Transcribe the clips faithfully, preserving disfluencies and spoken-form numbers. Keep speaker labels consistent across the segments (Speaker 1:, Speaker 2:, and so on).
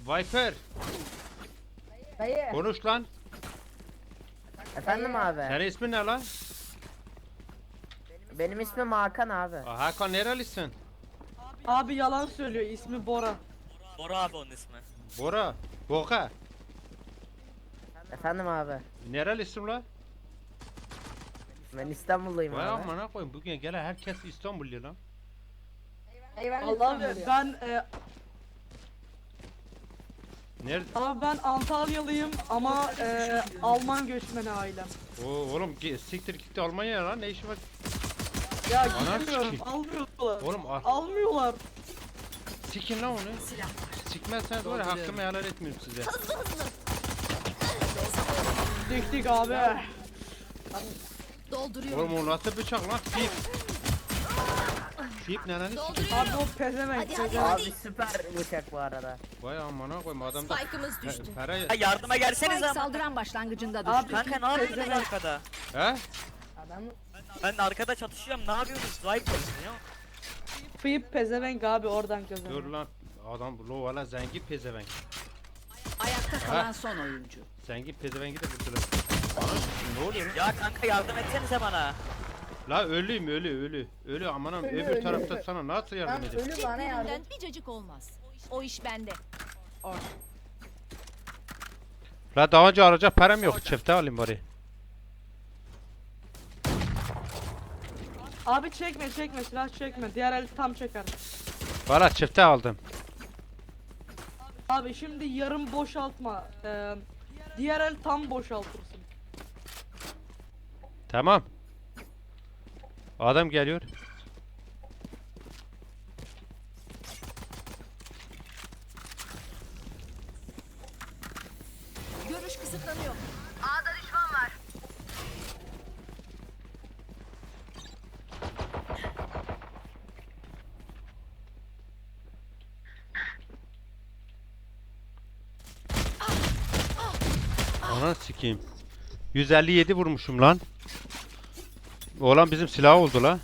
Speaker 1: Viper.
Speaker 2: Dayı.
Speaker 1: Konuş lan.
Speaker 3: Efendim abi.
Speaker 1: Senin ismin ne lan?
Speaker 3: Benim ismim Hakan abi.
Speaker 1: Aa, Hakan nerelisin?
Speaker 4: Abi yalan söylüyor, ismi Bora.
Speaker 5: Bora abi onun ismi.
Speaker 1: Bora. Boka.
Speaker 3: Efendim abi.
Speaker 1: Nerelisin lan?
Speaker 3: Ben İstanbulluyum
Speaker 1: Vay
Speaker 3: abi.
Speaker 1: amına koyayım, bugün gelen herkes İstanbullu lan.
Speaker 2: Eyvallah.
Speaker 4: Allah abi ben e,
Speaker 1: Nerede?
Speaker 4: abi ben Antalyalıyım ama e, Alman göçmeni ailem.
Speaker 1: Oo, oğlum gi- siktir gitti Almanya'ya lan, ne işi var?
Speaker 4: Ya
Speaker 1: Ana
Speaker 4: gidemiyorum,
Speaker 1: sikeyim.
Speaker 4: almıyorlar.
Speaker 1: Oğlum al.
Speaker 4: Almıyorlar.
Speaker 1: Sikin lan onu. Sikmezseniz var ya, hakkımı helal etmiyorum size.
Speaker 4: Dik dik abi.
Speaker 6: Dolduruyorum.
Speaker 1: Oğlum o nasıl bıçak lan? Fip. Fip ne lan?
Speaker 4: Abi o pezevenk.
Speaker 6: Hadi, hadi,
Speaker 4: pezevenk.
Speaker 3: Abi süper bıçak bu arada.
Speaker 1: Vay amına koyayım, adamda
Speaker 6: Spike'ımız düştü.
Speaker 1: He, para
Speaker 5: Ha yardıma gelseniz
Speaker 6: Spike
Speaker 5: ama.
Speaker 6: saldıran başlangıcında
Speaker 4: Abi,
Speaker 6: düştü.
Speaker 5: Kanka ne yapıyorsunuz arkada?
Speaker 1: He?
Speaker 2: Adam
Speaker 5: Ben arkada çatışıyorum, ne yapıyorsunuz? Zayıf ya.
Speaker 4: Fıyıp pezevenk abi oradan
Speaker 1: Dur
Speaker 4: kazanıyor.
Speaker 1: lan. Adam lovala zengin pezevenk.
Speaker 6: Ayakta kalan son oyuncu.
Speaker 1: Zengin pezevengi de vurdular. Ana ne oluyor lan?
Speaker 5: Ya kanka yardım etsenize bana.
Speaker 1: La ölüyüm, ölü ölü. Ölü amanım,
Speaker 2: Ölü,
Speaker 1: öbür
Speaker 2: ölü,
Speaker 1: tarafta
Speaker 2: ölü.
Speaker 1: sana nasıl
Speaker 2: tam
Speaker 1: yardım edeyim?
Speaker 2: ölü bana yardım.
Speaker 6: Birinden bir cacık olmaz. O iş bende.
Speaker 1: La daha önce alacak param yok, çifte alayım bari.
Speaker 4: Abi çekme çekme silah çekme. Diğer el tam çeker.
Speaker 1: Valla çifte aldım.
Speaker 4: Abi şimdi yarım boşaltma. Ee, diğer el tam boşaltırsın.
Speaker 1: Tamam. Adam geliyor.
Speaker 6: Görüş kısıtlanıyor.
Speaker 1: Ana sikeyim. yüz elli yedi vurmuşum lan. Oğlan bizim silah oldu la.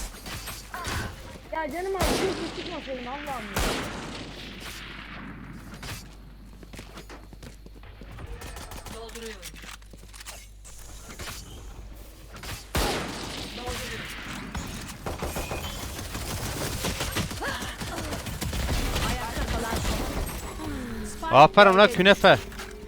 Speaker 2: Ya canım abi bir şey çıkmasaydım Allah'ım ya.
Speaker 6: Ayakta kalan son. Spike
Speaker 1: Aferin la künefe.
Speaker 4: Abi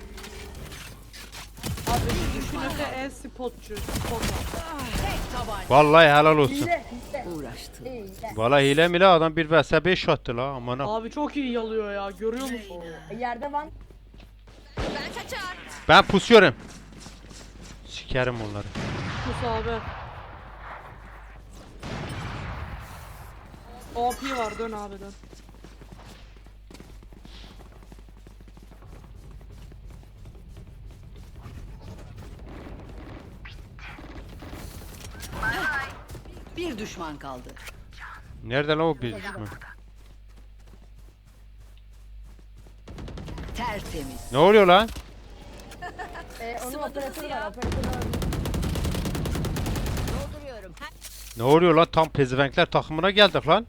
Speaker 4: düşünürse e-spotçu. Spotçu.
Speaker 6: tek tabanca.
Speaker 1: Vallahi helal olsun.
Speaker 2: Hile hile.
Speaker 6: Uğraştı.
Speaker 2: Hile.
Speaker 1: Vallahi hile mi la, adam bir vs beş attı la amına.
Speaker 4: Abi çok iyi yalıyor ya, görüyor musun?
Speaker 2: Yerde van.
Speaker 6: Ben kaçar.
Speaker 1: Ben pusuyorum. Sikerim onları.
Speaker 4: Kus abi. O P var, dön abi dön.
Speaker 6: Bir düşman kaldı.
Speaker 1: Nerede la o bir düşman?
Speaker 6: Tertemiz.
Speaker 1: Ne oluyor lan?
Speaker 2: Ee, onun
Speaker 6: Sıvadınız
Speaker 2: operatörü
Speaker 6: ya.
Speaker 2: var. Operatörü var.
Speaker 6: Dolduruyorum. Ha-
Speaker 1: Ne oluyor lan, tam pezevenkler takımına geldik lan.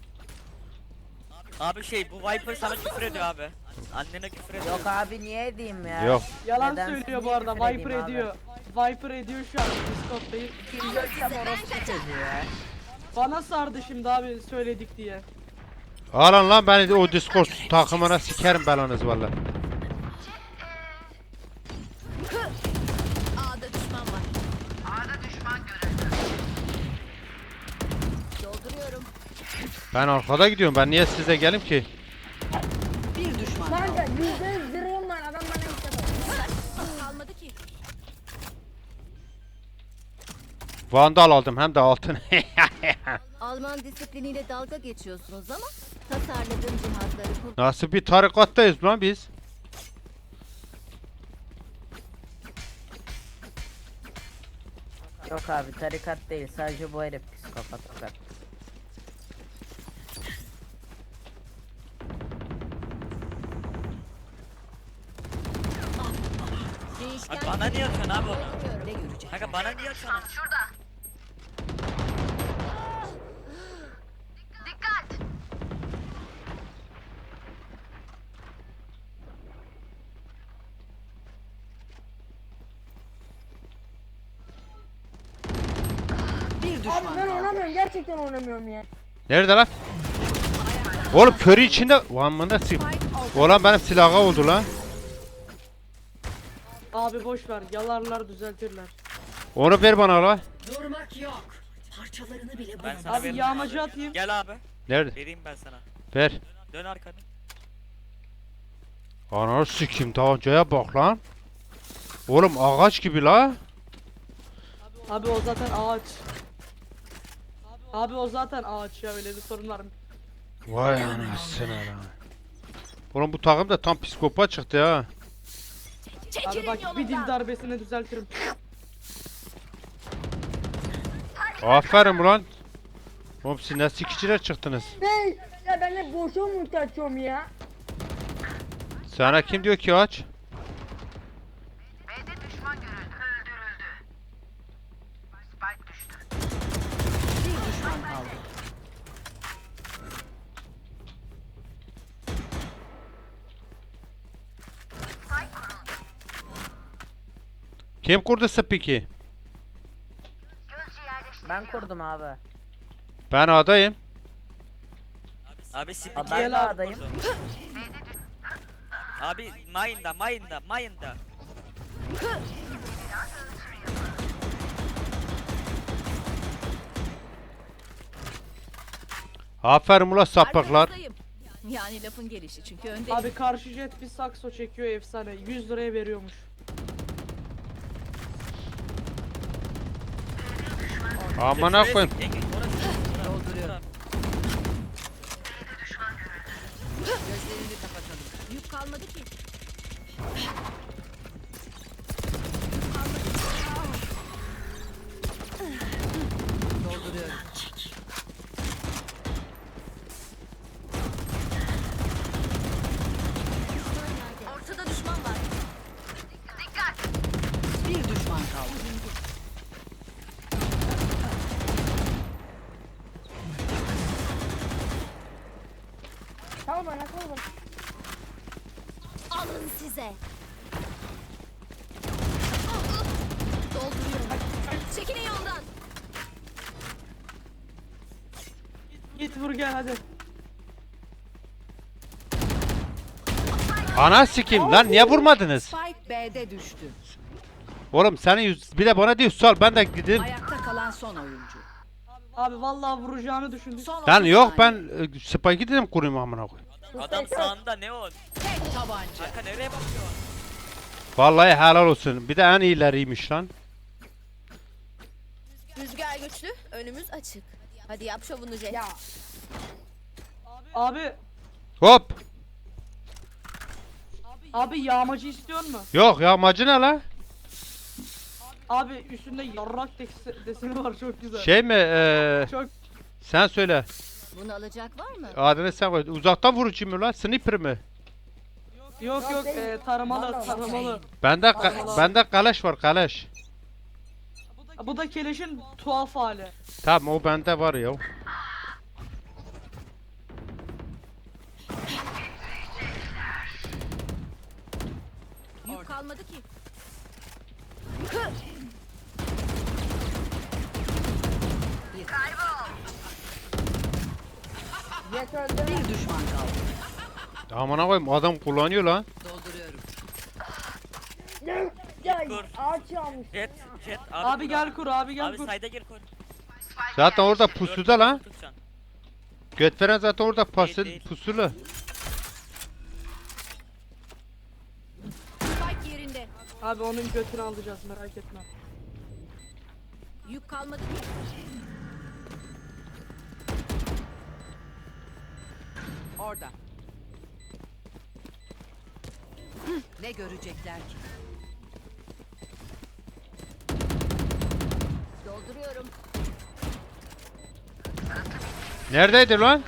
Speaker 5: Abi şey bu Viper sana küfür ediyor abi. Annene küfür ediyor.
Speaker 3: Yok abi niye edeyim ya?
Speaker 1: Yok.
Speaker 4: Yalan
Speaker 3: Neden?
Speaker 4: söylüyor bu
Speaker 3: Niye
Speaker 4: arada,
Speaker 3: küfür edeyim
Speaker 4: Viper
Speaker 3: abi?
Speaker 4: ediyor. Viper ediyor şu an Discord'dayım.
Speaker 3: Kim görsem orospu çocuğu ya.
Speaker 4: Bana sardı şimdi abi söyledik diye.
Speaker 1: Alın lan beni de o Discord takımına, sikerim belanız vallahi.
Speaker 6: A'da düşman var. A'da düşman görüldü. Dolduruyorum.
Speaker 1: Ben arkada gidiyorum, ben niye size gelim ki?
Speaker 6: Bir düşman kaldı.
Speaker 2: Kanka yüzde yüz zırhım var. Adam bana istemez.
Speaker 6: Kalmadı ki.
Speaker 1: Vandal aldım hem de altın.
Speaker 7: Alman disipliniyle dalga geçiyorsunuz ama tasarladığım cihazları kullan.
Speaker 1: Nasıl bir tarikattayız lan biz?
Speaker 3: Yok abi tarikat değil, sadece bu herif psikopat fakat.
Speaker 5: Abi bana niye atıyorsun abi onu?
Speaker 6: Ne görecek?
Speaker 5: Kanka bana niye atıyorsun onu?
Speaker 2: Abi
Speaker 6: düşman
Speaker 2: ben
Speaker 6: kaldı.
Speaker 2: oynamıyorum. Gerçekten oynamıyorum ya.
Speaker 1: Nerede lan? Oğlum körü içinde. Ulan da sil. Oğlan benim silahı oldu lan.
Speaker 4: Abi boş ver. Yalarlar düzeltirler.
Speaker 1: Onu ver bana lan.
Speaker 6: Durmak yok. Parçalarını bile
Speaker 5: Ben sana
Speaker 4: Abi
Speaker 5: veririm
Speaker 4: yağmacı
Speaker 5: abi.
Speaker 4: atayım.
Speaker 5: Gel abi.
Speaker 1: Nerede?
Speaker 5: Vereyim ben sana.
Speaker 1: Ver.
Speaker 5: Dön arkanı.
Speaker 1: Ananı sikim tabancaya bak lan. Oğlum ağaç gibi la.
Speaker 4: Abi o zaten ağaç. Abi o zaten ağaç ya, öyle bir sorun var mı?
Speaker 1: Vay anasını lan. Oğlum bu takım da tam psikopat çıktı ha.
Speaker 4: Abi bak bir dil darbesini düzeltirim.
Speaker 1: Aferin ulan. Oğlum siz ne sikiciler çıktınız.
Speaker 2: Hey, ya ben de boşa mı açıyorum ya?
Speaker 1: Sana kim diyor ki aç?
Speaker 6: bir düşman kaldı.
Speaker 1: Kim kurdu spiki?
Speaker 3: Ben kurdum abi.
Speaker 1: Ben adayım.
Speaker 5: Abi spiki.
Speaker 3: Abi ben de
Speaker 4: Gel abi.
Speaker 3: adayım.
Speaker 5: Abi mine'da mine'da mine'da.
Speaker 1: Aferin ulan sapıklar.
Speaker 7: Arkanızdayım. Yani lafın gelişi çünkü önde.
Speaker 4: Abi karşı jet bir sakso çekiyor efsane. yüz liraya veriyormuş.
Speaker 1: Amına koyayım.
Speaker 5: Engin, orası.
Speaker 6: Dolduruyorum. Gözlerini kapatalım.
Speaker 7: Yük kalmadı ki.
Speaker 6: Dolduruyorum.
Speaker 7: Ortada düşman var.
Speaker 6: Bir düşman kaldı.
Speaker 2: Tamam bana tamam.
Speaker 7: Alın size. Dolduruyorum. Çekilin yoldan.
Speaker 4: Git vur gel hadi.
Speaker 1: Ana sikim lan niye vurmadınız?
Speaker 6: Spike B'de düştü.
Speaker 1: Oğlum senin yüz, bir de bana diyor sal ben de gideyim.
Speaker 6: Ayakta kalan son oyuncu.
Speaker 4: Abi vallahi vuracağını düşündük.
Speaker 6: Son
Speaker 1: Lan
Speaker 6: otuz
Speaker 1: yok
Speaker 6: saniye.
Speaker 1: ben e, spike'i dedim kurayım amına koyayım.
Speaker 5: Adam sağında ne o?
Speaker 6: Tek tabanca.
Speaker 5: Arka nereye bakıyor?
Speaker 1: Vallahi helal olsun. Bir de en iyileriymiş lan.
Speaker 7: Rüzgar güçlü, önümüz açık. Hadi yap şovunu Jet.
Speaker 2: Ya
Speaker 4: Abi
Speaker 1: Hop.
Speaker 4: abi yağmacı istiyor mu?
Speaker 1: Yok ya amacı ne la?
Speaker 4: Abi üstünde yarrak desi- deseni var, çok güzel.
Speaker 1: Şey mi? eee,
Speaker 4: Çok
Speaker 1: sen söyle.
Speaker 7: Bunu alacak var mı?
Speaker 1: Adını sen koy. Uzaktan vurucu mu lan? Sniper mi?
Speaker 4: yok yok e, taramalı
Speaker 2: Vallahi.
Speaker 4: taramalı.
Speaker 1: Bende ka- bende kaleş var kaleş.
Speaker 4: Bu da keleşin tuhaf hali.
Speaker 1: Tamam o bende var ya.
Speaker 7: Yük kalmadı ki.
Speaker 2: jet öldü.
Speaker 6: Bir düşman kaldı.
Speaker 1: Amına koyayım adam kullanıyor lan.
Speaker 6: Dolduruyorum.
Speaker 2: Ya
Speaker 5: Dur.
Speaker 2: ağaç yağmış.
Speaker 5: Jet jet abi.
Speaker 4: Abi
Speaker 5: kur
Speaker 4: gel kur, abi gel
Speaker 5: Abi
Speaker 4: kur.
Speaker 5: sayda gir kur.
Speaker 1: Zaten orada pusuda lan.
Speaker 5: Tutacaksın.
Speaker 1: Götveren zaten orada pası,
Speaker 5: Değil, değil.
Speaker 1: pusulu.
Speaker 7: Spike yerinde.
Speaker 4: Abi onun götünü alacağız, merak etme.
Speaker 7: Yük kalmadı ki.
Speaker 6: Orada. Ne görecekler ki?
Speaker 7: Dolduruyorum.
Speaker 1: Neredeydi lan?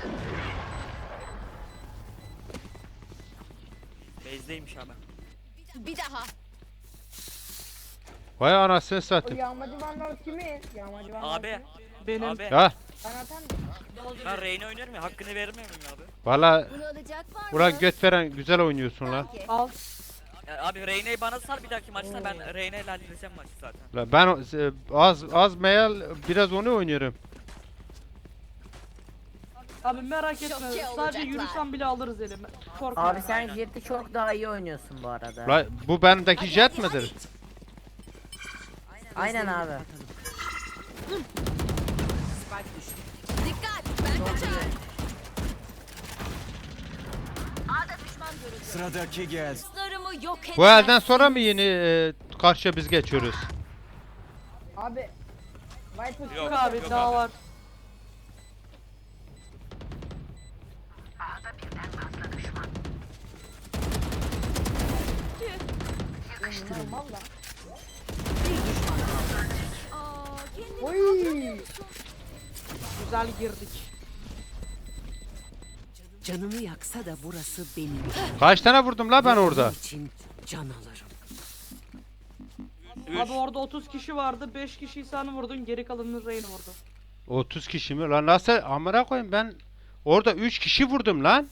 Speaker 5: Bezdeymiş abi.
Speaker 7: Bir daha.
Speaker 1: Vay anasını
Speaker 2: O
Speaker 1: satayım.
Speaker 2: yağmacı vandal kimin? Yağmacı vandal
Speaker 5: Abi.
Speaker 2: kimin?
Speaker 4: Benim.
Speaker 5: Abi.
Speaker 1: Ya
Speaker 2: Ben atar mıyım?
Speaker 5: Ben Reyna oynuyorum ya, hakkını vermiyor muyum abi?
Speaker 1: valla
Speaker 7: Bunu alacak var mı?
Speaker 1: ulan götveren güzel oynuyorsun lan.
Speaker 7: Peki.
Speaker 4: Al.
Speaker 5: Ya abi Reyna'yı bana sal, bir dahaki maçta ben Reyna ile halledeceğim maçı zaten.
Speaker 1: La ben o- e, az az meyal biraz onu oynuyorum.
Speaker 4: Abi merak
Speaker 7: Şok
Speaker 4: etme.
Speaker 7: ya
Speaker 4: Sadece
Speaker 7: olacaklar.
Speaker 4: yürüsem bile alırız elime. Korkma.
Speaker 3: Abi sen
Speaker 5: Aynen.
Speaker 3: Jet'i çok daha iyi oynuyorsun bu arada.
Speaker 1: La bu bendeki jet midir?
Speaker 3: Aynen abi.
Speaker 6: Spike düştü.
Speaker 7: Dikkat ben kaçar. A'da düşman görüldü.
Speaker 8: Sıradaki gelsin.
Speaker 7: Dostlarımı yok edemezsin.
Speaker 1: Bu elden sonra mı yeni e, karşıya biz geçiyoruz?
Speaker 2: Abi. Viper
Speaker 5: Yok.
Speaker 4: Yok abi
Speaker 5: Yok
Speaker 4: daha
Speaker 5: abi.
Speaker 4: var.
Speaker 2: normal lan.
Speaker 6: Bir düşman kaldı.
Speaker 7: Aa, kendini
Speaker 2: Oy.
Speaker 4: Güzel girdik.
Speaker 6: Canımı yaksa da burası benim.
Speaker 1: Kaç tane vurdum la ben orada?
Speaker 6: Onun için can alırım.
Speaker 5: Üç.
Speaker 4: Abi orada otuz kişi vardı. beş kişiyi sen vurdun. Geri kalanını Reyna vurdu.
Speaker 1: otuz kişi mi? Lan nasıl amına koyayım ben orada üç kişi vurdum lan.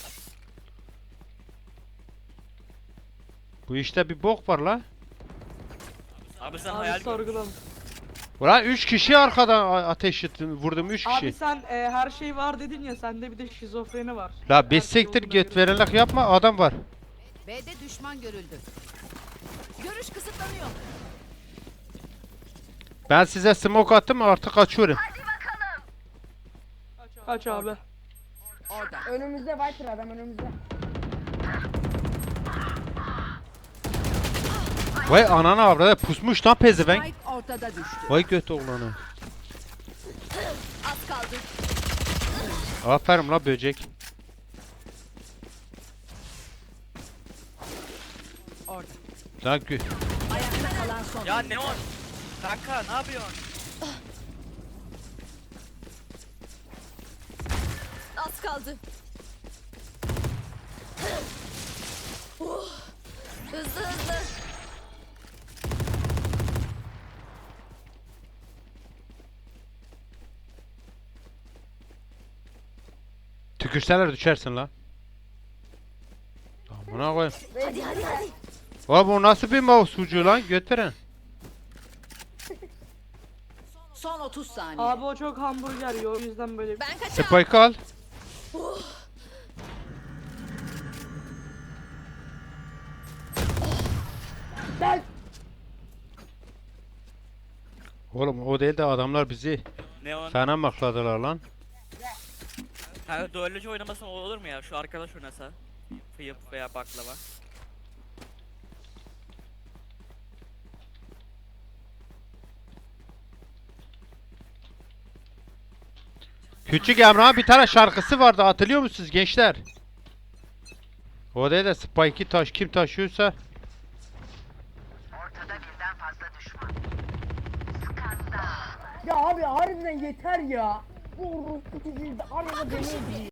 Speaker 1: Bu işte bir bok var la.
Speaker 5: Abi sen hayal
Speaker 4: Abi
Speaker 5: gör.
Speaker 4: sorgulam.
Speaker 1: Ulan üç kişi arkadan a- ateş ettim, vurdum üç
Speaker 4: Abi
Speaker 1: kişi.
Speaker 4: sen e, her şey var dedin ya. Sende bir de şizofreni var.
Speaker 1: La
Speaker 4: Her
Speaker 1: bir
Speaker 4: şey
Speaker 1: siktir
Speaker 4: olduğuna
Speaker 1: göt
Speaker 4: göre.
Speaker 1: verenlik yapma adam var.
Speaker 6: B'de düşman görüldü.
Speaker 7: görüş kısıtlanıyor.
Speaker 1: Ben size smoke attım artık kaçıyorum.
Speaker 4: Kaç abi.
Speaker 6: Orada.
Speaker 2: Önümüzde Viper adam önümüzde.
Speaker 1: Vay anana avradı pusmuş lan pezevenk.
Speaker 6: Spike ortada düştü.
Speaker 1: Vay göt oğlanı.
Speaker 7: Az kaldı.
Speaker 1: Aferin la böcek.
Speaker 6: Orada.
Speaker 1: Lan gö
Speaker 6: Ayakta kalan son.
Speaker 5: Ya Neon. Kanka ne yapıyorsun?
Speaker 7: Az kaldı. Uh, hızlı hızlı.
Speaker 1: tükürseler düşersin la. Amına koyayım.
Speaker 7: Hadi hadi hadi.
Speaker 1: Vay bu nasıl bir mouse ucu lan göt veren.
Speaker 6: Son otuz saniye.
Speaker 4: Abi o çok hamburger yiyor. O yüzden böyle.
Speaker 7: Ben kaçar.
Speaker 1: Spike al.
Speaker 2: Gel.
Speaker 1: Oğlum o değil de adamlar bizi
Speaker 5: Neon.
Speaker 1: fena makladılar lan.
Speaker 5: Kanka duellocu oynamasın olur mu ya? Şu arkadaş oynasa. Fıyıp veya baklava.
Speaker 1: Küçük Emrah'ın bir tane şarkısı vardı hatırlıyor musunuz gençler? O değil de Spike'i taş kim taşıyorsa.
Speaker 2: Ya abi harbiden yeter ya. Bu orospu çocuğu da arada beni öldürüyor.